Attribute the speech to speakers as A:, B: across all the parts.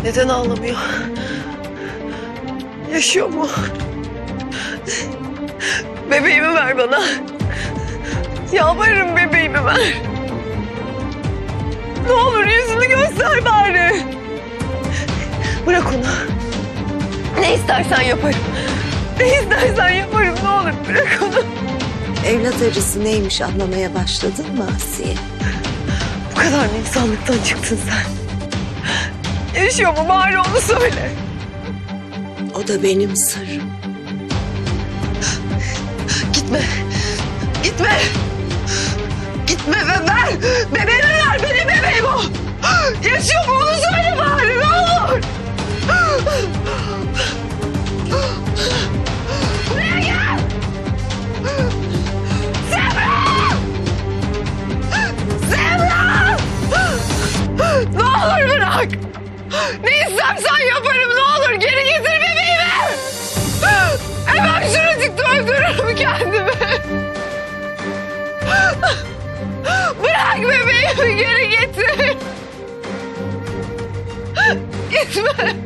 A: Neden ağlamıyor? Yaşıyor mu? Bebeğimi ver bana. Yalvarırım, bebeğimi ver. Ne olur yüzünü göster bari. Bırak onu. Ne istersen yaparım. Ne istersen yaparım, ne olur bırak onu.
B: Evlat acısı neymiş anlamaya başladın mı Asiye?
A: Bu kadar mı insanlıktan çıktın sen? Yaşıyor mu bari onu söyle.
B: O da benim sırrım.
A: Gitme. Gitme. Gitme ve ver. Bebeğimi ver. Benim bebeğim o. Yaşıyor mu onu söyle bari, ne olur. Buraya gel. Semra! Semra! Ne olur bırak. Ne istersen yaparım, ne olur. Geri getir bebeğimi. Hemen şuracıkta öldürürüm kendimi. Bırak bebeğimi, geri getir. Gitme.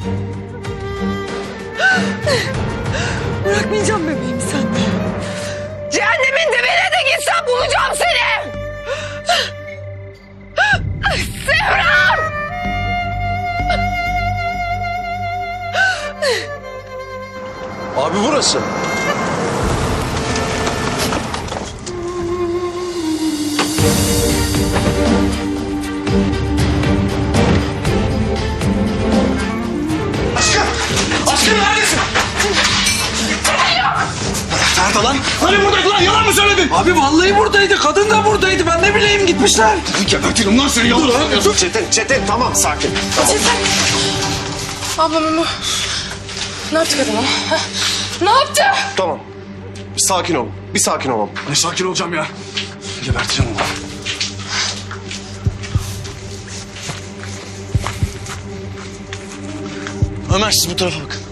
A: Bırakmayacağım bebeğimi senden. Cehennemin dibine de gitsem bulacağım seni. Semra!
C: Abi burası. Aşkım! Aşkım neredesin? Nerede lan? Hani buradaydı lan? Yalan mı söyledin?
D: Abi vallahi buradaydı. Kadın da buradaydı. Ben ne bileyim gitmişler.
C: Gebertirim lan seni, yalan söylüyorsun. Çetin tamam, sakin. Tamam.
E: Ablam ne yaptı kadına? Ha? Ne yaptı?
C: Tamam. Bir sakin olun. Bir sakin olalım.
D: Ne sakin olacağım ya. Geberteceğim onu.
C: Ömer, siz bu tarafa bakın.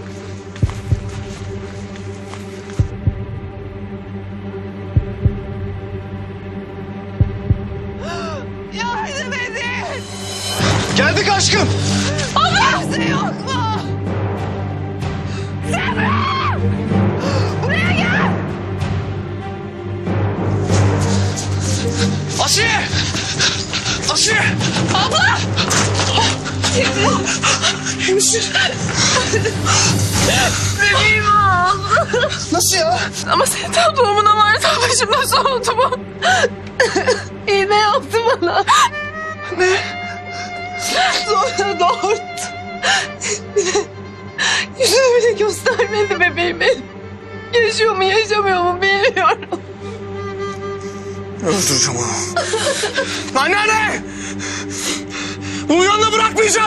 A: Yardım edin.
C: Geldik aşkım.
A: Kimse yok mu? Semra! Buraya gel.
D: Asiye! Asiye!
A: Abla! Bebeğim al.
C: Nasıl ya?
A: Ama senin tam doğumuna varsa başım nasıl oldu bu? İğne yaptı bana. Ne? Sonra doğurdu. Bir de yüzünü bile göstermedi bebeğimin. Yaşıyor mu yaşamıyor mu bilmiyorum.
C: Öldüreceğim onu. Anneanne! Bunu yanına bırakmayacağım.